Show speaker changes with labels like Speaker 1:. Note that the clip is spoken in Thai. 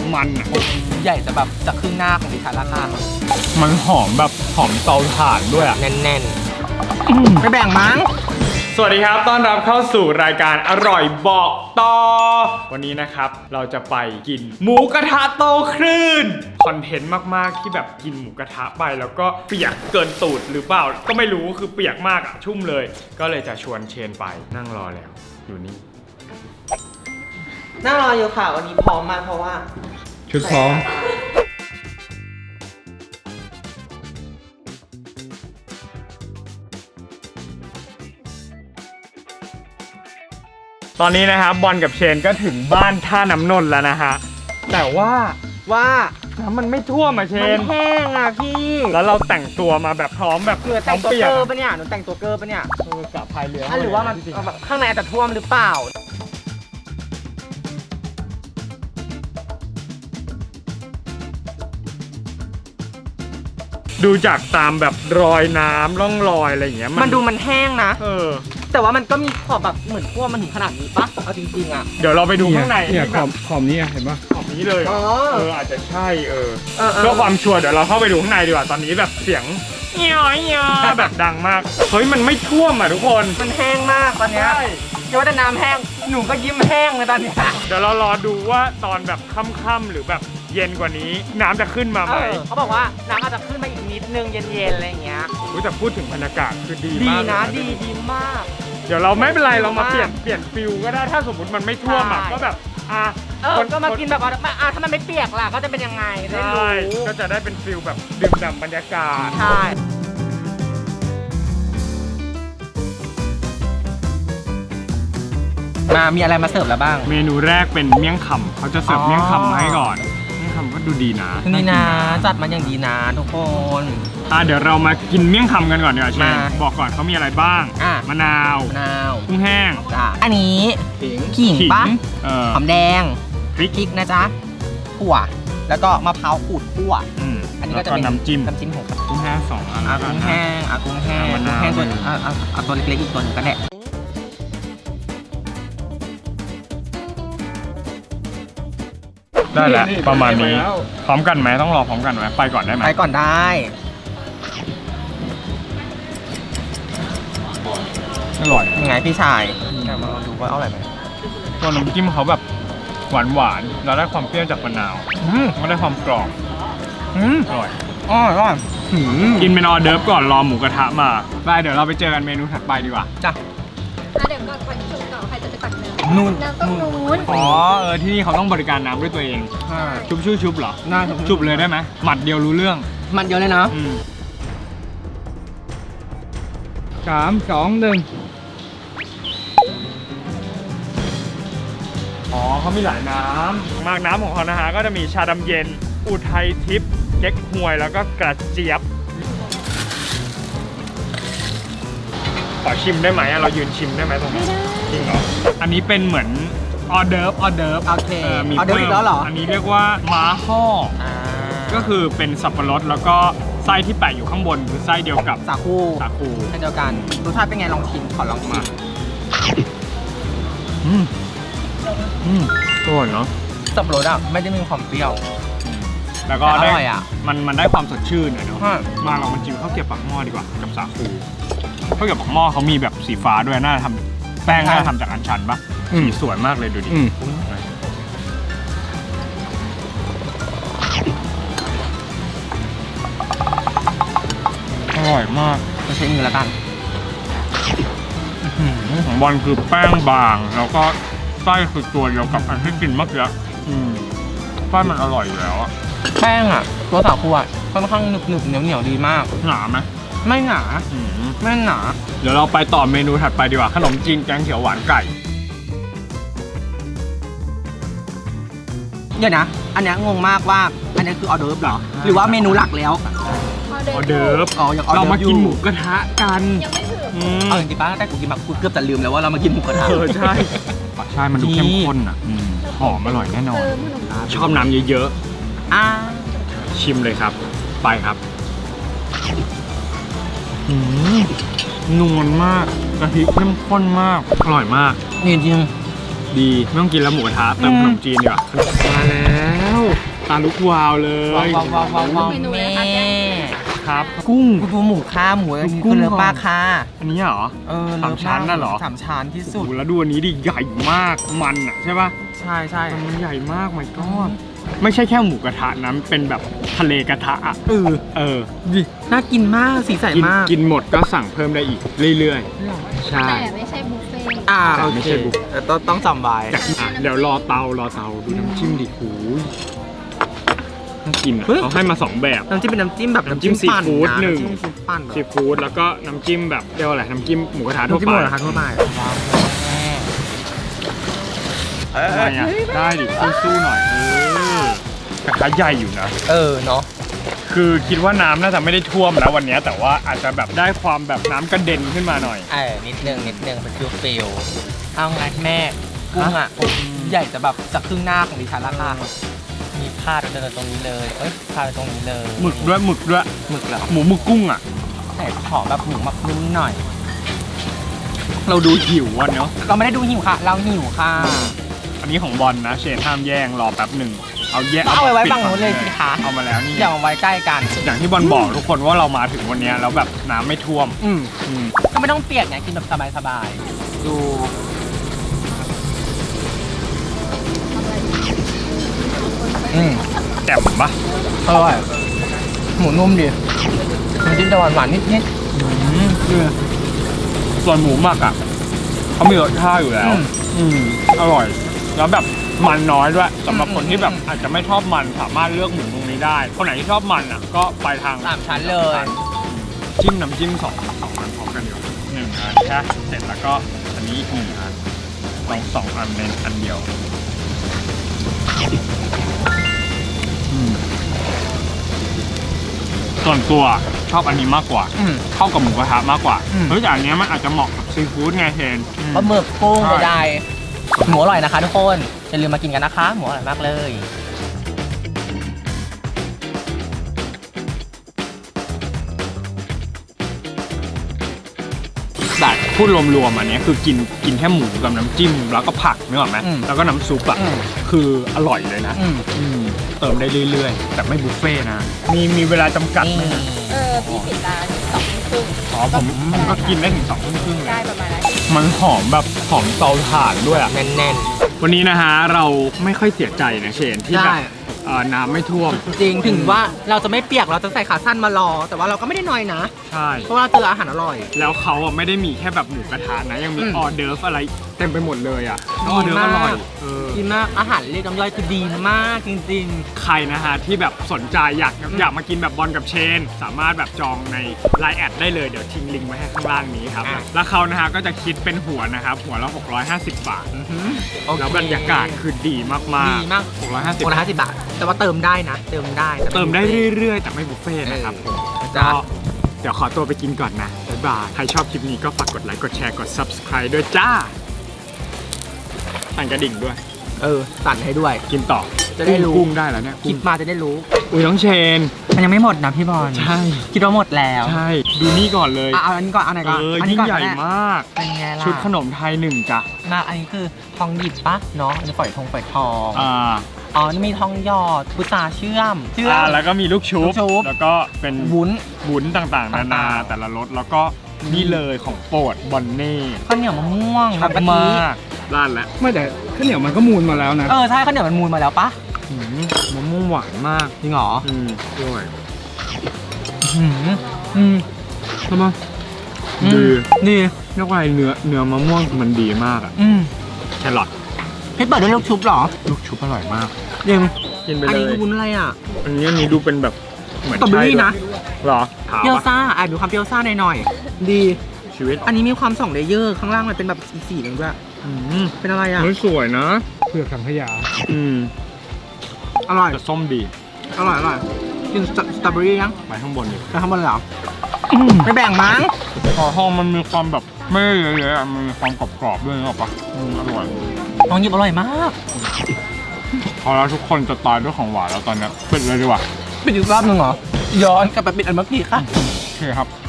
Speaker 1: มันอ่ะ
Speaker 2: ใหญ่แต่แบบจะครึ่งหน้าของดิฉันราคา
Speaker 1: มันหอมแบบหอมเตาถ่านด้วยอ่ะ
Speaker 2: แน่นๆไม่แบ่งมั้ง
Speaker 1: สวัสดีครับต้อนรับเข้าสู่รายการอร่อยบอกต่อวันนี้นะครับเราจะไปกินหมูกระทะโตคลื่นคอนเทนต์มากๆที่แบบกินหมูกระทะไปแล้วก็เปียกเกินตูดหรือเปล่าก็ไม่รู้คือเปียกมากอะชุ่มเลยก็เลยจะชวนเชนไปนั่งรอแล้วอยู่นี่
Speaker 2: นั่งรออยู่ค่ะวันนี้พร้อมมากเพราะว่า
Speaker 1: ชุดพร้อมตอนนี้นะครับบอลกับเชนก็ถึงบ้านท่าน้ำนนท์แล้วนะฮะแต่ว่าน้ำมันไม่ท่วมอ่ะเชน
Speaker 2: มันแห้งอ่ะพี่
Speaker 1: แล้วเราแต่งตัวมาแบบพร้อมแบบ
Speaker 2: เหนือแต่งตัวเกอร์ปะเนี่ยหนูแต่งตัวเกอร์ปะเนี่ย
Speaker 1: กับพายเรือ
Speaker 2: หรือว่ามันแบบข้างในอาจจะท่วมหรือเปล่า
Speaker 1: ดูจากตามแบบรอยน้ำร่องรอยอะไรอย่างเงี้ย
Speaker 2: มันดูมันแห้งนะแต่ว่ามันก็มีขอบแบบเหมือนท่วมมันถึงขนาดนี้ปะเอาจริงๆอ่ะ
Speaker 1: เดี๋ยวเราไปดูข้างใน
Speaker 3: เนี่ยขอบนี้เห็นปะ
Speaker 1: ขอบนี้เลยอาจจะใช่เพื่อความชัวร์เดี๋ยวเราเข้าไปดูข้างในดีกว่าตอนนี้แบบเสียงเงี้ยแบบดังมากเฮ้ยมันไม่ท่วมอ่ะทุกคน
Speaker 2: มันแห้งมากตอนเนี้ยเดี๋ยวว่าแต่น้ำแห้งหนูก็ยิ้มแห้งเลยตอนนี้
Speaker 1: เดี๋ยวเรารอดูว่าตอนแบบค่ำๆหรือแบบเย็นกว่านี้น้ำจะขึ้นมาไหม
Speaker 2: เขาบอกว่าน้ำอาจจะขึ้นมาอีกนิดนึงเย็นๆอะไรอย่างเงี้ย
Speaker 1: แต่พูดถึงบรรยากาศคือดีมาก
Speaker 2: นะดีมาก
Speaker 1: เดี๋ยวเราไม่เป็นไรเรามาเปลี่ยนฟิลก็ได้ถ้าสมมติมันไม่ท่วมอ่ะก็แบบ
Speaker 2: ก็มากินแบบว่าถ้ามันไม่เปียกล่ะก็จะเป็นยังไงได้รู้
Speaker 1: ก็จะได้เป็นฟิลแบบดื่มด่ำบรรยากาศ
Speaker 2: ใช่มีอะไรมาเสิร์ฟแล้วบ้าง
Speaker 1: เมนูแรกเป็นเมี่ยงคำเขาจะเสิร์ฟเมี่ยงคำมาให้ก่อนเมี่ยงคำก็ดูดีนะ
Speaker 2: นี่นะจัดมาอย่างดีนะทุกคน
Speaker 1: เดี๋ยวเรามากินเมี่ยงคำกันก่อนดีกว่าเชนบอกก่อนเขามีอะไรบ้างมะนาวกุ้งแห้ง
Speaker 2: อันนี้ขิงปะหอมแดง
Speaker 1: พริก
Speaker 2: นะจ๊ะถั่วแล้วก็มะพร้าวขูดคั่วอันนี้ก็จะเป็น
Speaker 1: น้ำจิ้ม
Speaker 2: ของ
Speaker 1: กุ้งแห้ง2 อัน
Speaker 2: กุ้งแห้งกุ้งแห้งตัวเล็กๆอีกตัวนึงก็ได้
Speaker 1: ได้แล้วประมาณนี้พร้อมกันไหมต้องรอพร้อมกันไหมไปก่อนได้ไหม
Speaker 2: ไปก่อนได้
Speaker 1: อร่อย
Speaker 2: ยังไงพี่ชายมาดูว่าอร่อยไหม
Speaker 1: ตัวน้ำจิ้มเขาแบบหวานแล้วได้ความเปรี้ยวจากมะนาวก็ได้ความกรอบอร่อยกินเป็นออเดิร์ฟก่อนรอหมูกระทะมาได้เดี๋ยวเราไปเจอกันเมนูถัดไปดีกว่า
Speaker 2: จ้ะ
Speaker 4: เดี๋ยวก่อนไปชุบต่อใครจะไปตักน้ำน้ำต้องนู้น
Speaker 1: ที่นี่เขาต้องบริการน้ำด้วยตัวเองชุบเหรอ
Speaker 2: น่า
Speaker 1: ชุบเลยได้ไหมหมัดเดียวรู้เรื่อง
Speaker 2: หมัดเดียวเลยนะ
Speaker 3: 3 2 1
Speaker 1: เขามีหลายน้ำมากน้ำของเขานะฮะก็จะมีชาดำเย็นอุทัยทิพย์เก๊กฮวยแล้วก็กระเจี๊ยบขอชิมได้ไหมเรายืนชิมได้ไหมตรงนี้จริงเหรออันนี้เป็นเหมือนออเดิร์ฟ
Speaker 2: โอเค
Speaker 1: มีเพิ่มแล้วเหรออันนี้เรียกว่าม้าห่อก็คือเป็นสับปะรดแล้วก็ไส้ที่แปะอยู่ข้างบนคือไส้เดียวกับ
Speaker 2: สาคูเช่นเดียวกันรสชาติเป็นไงลองชิมขอลองมา
Speaker 1: อร่อยเนาะ
Speaker 2: สับปะรดไม่ได้มีความเปรี้ยว
Speaker 1: แล้วก็ได้มันได้ความสดชื่นเนาะมาเรามาจิ้มข้าวเกรี๊ยวปากหม้อดีกว่ากับสาคูข้าวเกรี๊ยวปากหม้อเขามีแบบสีฟ้าด้วยน่าทำแป้งน่าทำจากอัญชันปะสีสวยมากเลยดูดิอร่อยมาก
Speaker 2: จะใช้มือแล้วกัน
Speaker 1: ของบอลคือแป้งบางแล้วก็ไส้คือตัวเดียวกับอันที่กินเมื่อกี้ไส้มันอร่อยอยู่แล้ว
Speaker 2: แป้งตัวสาคูค่อนข้างหนึบเหนียวดีมาก
Speaker 1: หนาไหม
Speaker 2: ไม่หนา
Speaker 1: เดี๋ยวเราไปต่อเมนูถัดไปดีกว่าขนมจีนแกงเขียวหวานไก่
Speaker 2: เดี๋ยวนะอันนี้งงมากว่าอันนี้คือออเดิร์ฟเหรอหรือว่าเมนูหลักแล้ว
Speaker 1: ออเดิร์ฟเรามากินหมูกระทะกัน
Speaker 4: ยังไม่ถึง
Speaker 2: จริงๆป้าแต่กูกินแบบกูเกือบจะลืมแล้วว่าเรามากินหมูกระทะ
Speaker 1: ใช่มันดูเข้มข้นหอมอร่อยแน่นอนชอบน้ำเยอะๆชิมเลยครับไปครับนวลมากกะทิเข้มข้นมากอร่อยมาก
Speaker 2: จริง
Speaker 1: ดีไม่ต้องกินแล้วหมูกระทะเติมขนมจีนดีกว่ามาแล้วตาลุกวาวเลย
Speaker 2: ว้าวแม่
Speaker 1: ครับ
Speaker 2: กุ้งดูหมูค่าหมูอันนี้คือเลิฟป้าค่ะ
Speaker 1: อันนี้เหรอ
Speaker 2: เลิฟ
Speaker 1: สามชั้นน่ะเหรอ
Speaker 2: สามชั้นที่สุ
Speaker 1: โอ้
Speaker 2: ด
Speaker 1: โหแล้วดูอันนี้ดิใหญ่มากมันอ่ะใช่ป่ะ
Speaker 2: ใช่ใช่
Speaker 1: มันใหญ่มากmy god ไม่ใช่แค่หมูกระทะนะเป็นแบบทะเลกระทะอะเออ
Speaker 2: ดิน่ากินมากสีใสมาก
Speaker 1: กินหมดก็สั่งเพิ่มได้อีกเรื่อยๆใช่
Speaker 4: แต่ไม่ใช่บุฟเฟ่ต์
Speaker 2: โอ
Speaker 1: ไม่
Speaker 2: เค
Speaker 1: ใช่บุฟ
Speaker 2: แต่ต้องจำไว้
Speaker 1: อยากกินอ่ะเดี๋ยวรอเตาดูน้ำจิ้มดิหูยน่ากินอ่ะเขาให้มา2แบบ
Speaker 2: น้ำจิ้มเป็นน้ำจิ้มแบบ
Speaker 1: น้ำจิ้มซีฟู้ด
Speaker 2: ปั่ะ
Speaker 1: หนึ่ง
Speaker 2: น้ำจิ้มซีฟู้ดปั่นแบบ
Speaker 1: ซีฟู้ดแล้วก็น้ำจิ้มแบบเรียกว่าอะไรน้ำจิ้มหมูกระทะทั่ว
Speaker 2: น้ำจิ้ม
Speaker 1: ไป
Speaker 2: หมดเหรอคะทั่วไปว้าว
Speaker 1: ทำไมอ่ะได้ดิสู้ๆหน่อยกระทะใหญ่อยู่นะ
Speaker 2: เนาะ
Speaker 1: คือคิดว่าน้ำน่าจะไม่ได้ท่วมนะวันนี้แต่ว่าอาจจะแบบได้ความแบบน้ำกระเด็นขึ้นมาหน่อย
Speaker 2: นิดนึงเป็นฟิลเอาไงแม่กุ้งอ่ะใหญ่แต่แบบจากครึ่งหน้าของดิฉันละค่ะมีพาดเดินตรงนี้เลยพาดตรงนี้เลย
Speaker 1: หมึกด้วยหมึกแล้วหมึกกุ้งอ่ะ
Speaker 2: แต่ขอแบบหมูหมักนุ่มหน่อย
Speaker 1: เราดูหิวอ่ะเนาะ
Speaker 2: เราไม่ได้ดูหิวค่ะ เราหิวค่ะ
Speaker 1: อันนี้ของบอลนะเชนห้ามแย่งรอแป๊บหนึ่งเอาแยก
Speaker 2: เอาไว้
Speaker 1: ปิด
Speaker 2: ฝั่งนู้นเลยสิคะ
Speaker 1: เอามาแล้วนี่
Speaker 2: อย่ามาไว้ใกล้กัน
Speaker 1: อย่างที่บอลบอกทุกคนว่าเรามาถึงวันนี้แล้วแบบน้ำไม่ท่วม
Speaker 2: ก็ไม่ต้องเปียกไงกินแบบสบายๆดู
Speaker 1: แจ่มปะ
Speaker 2: อร่อยหมูนุ่มดีมันจิ้มจะหวานๆนิด
Speaker 1: ส่วนหมูหมักอ่ะเขามีรสชาติอยู่แล้วอร่อยแล้วแบบมันน้อยด้วยสำหรับคนที่แบบอาจจะไม่ชอบมันสามารถเลือกหมูตรงนี้ได้คนไหนที่ชอบมันอ่ะก็ไปทาง
Speaker 2: 3 ชั้นเลย
Speaker 1: จิ้มน้ำจิ้มสองอันพร้อมกันอยู่1 อันแค่เสร็จแล้วก็อันนี้อีก1 อันลอง2 อันในอันเดียวส่วนตัวชอบอันนี้มากกว่าเข้ากับหมูกระทะมากกว่าเฮ้ยแต่อันเนี้ยมันอาจจะเหมาะกับซีฟู้ดไงเชน
Speaker 2: ปลาหมึกกุ้งใดๆหมูอร่อยนะคะทุกคนอย่าลืมมากินกันนะคะหมูอร่อยมากเลย
Speaker 1: แต่พูดรวมๆอันเนี้ยคือกินแค่หมูกับน้ำจิ้มแล้วก็ผักนึกออกไหมแล้วก็น้ำซุปอ่ะคืออร่อยเลยนะเติมได้เรื่อยๆแต่ไม่บุฟเฟ่ต์นะมีเวลาจำกัดไหมนะ
Speaker 4: พี่ปิดร้าน2:30
Speaker 1: อ๋อผมก็กินได้ถึง2 ทุ่มครึ่งเลย
Speaker 4: ได้ประมาณนั้น
Speaker 1: มันหอมแบบหอมเตาถ่านด้วยอ่ะ
Speaker 2: แน่น
Speaker 1: วันนี้นะฮะเราไม่ค่อยเสียใจนะเชนที่แบบ
Speaker 2: ใช่
Speaker 1: น้ำไม่ท่วม
Speaker 2: ๆจริงถึงว่าเราจะไม่เปียกเราจะใส่ขาสั้นมารอ แต่ว่าเราก็ไม่ได้น้อยนะ
Speaker 1: ใช่
Speaker 2: เพราะว่าเราเจออาหารอร่อย
Speaker 1: แล้วเขาอ่ะไม่ได้มีแค่แบบหมูกระทะนะยังมีออเดิร์ฟอะไรเต็มไปหมดเลยอ่ะออเดิร์ฟอร่อย
Speaker 2: ดีมากอาหารเรียกน้ำย่อยคือดีมากจริง
Speaker 1: ใครนะฮะที่แบบสนใจอยากมากินแบบบอลกับเชน สามารถแบบจองใน Line แอดได้เลยเดี๋ยวทิ้งลิงก์ไว้ให้ข้างล่างนี้ครับแล้วเขานะฮะก็จะคิดเป็นหัวนะครับหัวละ650 บาท
Speaker 2: ๆ
Speaker 1: แล้วบรรยากาศคือดีมากๆ
Speaker 2: ดีมาก
Speaker 1: 650
Speaker 2: คนละ50 บาท แต่ว่าเติมได้นะเติมได้
Speaker 1: เติมได้เรื่อยๆ แต่ไม่บุฟเฟ่ต์นะครับผม
Speaker 2: จ้า
Speaker 1: ก็เดี๋ยวขอตัวไปกินก่อนนะ บ๊ายบาย ใครชอบคลิปนี้ก็ฝากกดไลค์ กดแชร์ กด subscribe ด้วยจ้าสั่นกระดิ่งด้วย
Speaker 2: สั่นให้ด้วย
Speaker 1: กินต่อ
Speaker 2: จะได้รู้
Speaker 1: กุ้งได้แล้วเนี่ย
Speaker 2: คลิปมาจะได้รู้
Speaker 1: อุ้ยน้องเชน
Speaker 2: มันยังไม่หมดนะพี่บอล
Speaker 1: ใช่
Speaker 2: คิดว่าหมดแล้ว
Speaker 1: ใช่ ดูนี่ก่อนเลย
Speaker 2: เอาอันนี้ก่อนเอาไหนก่อนอัน
Speaker 1: ยิ่
Speaker 2: นี้
Speaker 1: ง
Speaker 2: ก่อน
Speaker 1: ใหญ่
Speaker 2: ก็ได้
Speaker 1: มาก
Speaker 2: เป็นไงล่ะ
Speaker 1: ชุดขนมไทย1จ้ะ
Speaker 2: มาอันนี้คือทองหยิบปะเนาะอันนี้ฝอยทอง
Speaker 1: อ่า
Speaker 2: นี่มีทองหยอดพุทราเชื่อม
Speaker 1: แล้วก็มีลูกชุบ แล้วก็เป็น
Speaker 2: วุ้น
Speaker 1: ต่างๆ นานา
Speaker 2: ต่างๆ
Speaker 1: แต่ละรสแล้วก็นี่เลยของโปรดบอนเน่
Speaker 2: ข้าวเหนียวมะม่วง
Speaker 1: ชอบ
Speaker 2: น้ำกะทิ
Speaker 1: มากร้านแล้ว
Speaker 3: ไม่แต่ข้าวเหนียวมันก็มูลมาแล้วนะ
Speaker 2: ใช่ข้าวเหนียวมันมูลมาแล้วปะ
Speaker 1: มะม่วงหวานมาก
Speaker 2: จริงเหรอ
Speaker 1: ด้วย
Speaker 2: ทำไม
Speaker 1: ดี
Speaker 2: ดี
Speaker 1: เรียกว่าเนื้อมะม่วงมันดีมากอะแครอท
Speaker 2: พี่เปิดด้วยลูกชุบเหรอ
Speaker 1: ลูกชุบอร่อยมาก
Speaker 2: ยัง
Speaker 1: กินไป
Speaker 2: อัน
Speaker 1: เล
Speaker 2: นี้
Speaker 1: ย
Speaker 2: คือวุ้นอะไรอ่ะ
Speaker 1: อันนี้ดูเป็นแบบเหมือน
Speaker 2: สตรอเบอรี่
Speaker 1: ใช่ด้วย
Speaker 2: นะ
Speaker 1: เหรอถาม
Speaker 2: เปรี้ยว
Speaker 1: ปะ
Speaker 2: ซ่ามีความเปรี้ยวซ่าหน่อยๆดี
Speaker 1: ชีวิต
Speaker 2: อันนี้มีความ2 เลเยอร์ข้างล่างมันเป็นแบบสีๆหนึ่งด้วยเป็นอะไรอ่ะ
Speaker 1: เฮ้ยสวยนะ
Speaker 3: เปลือกสังขยา
Speaker 2: อร่อย
Speaker 1: แต่ส้มดี
Speaker 2: อร่อยกินสตรอเบอรี่ยัง
Speaker 1: ไปข้างบนดิ
Speaker 2: ไปข้างบนเลยเหรอไม่แบ่งมั้ง
Speaker 1: หอทองมันมีความแบบไม่เยอะๆอะมันมีความกรอบๆด้วยนึกออกปะอร่อย
Speaker 2: ทองหยิบอร่อยมาก
Speaker 1: พอแล้วทุกคนจะตายด้วยของหวานแล้วตอนเนี้ยปิดเลยดีกว่า
Speaker 2: ปิดอีกรอบหนึ่งเหรอย้อนกลับไปปิดอันเมื่อกี้ค่ะ
Speaker 1: โอเคครับ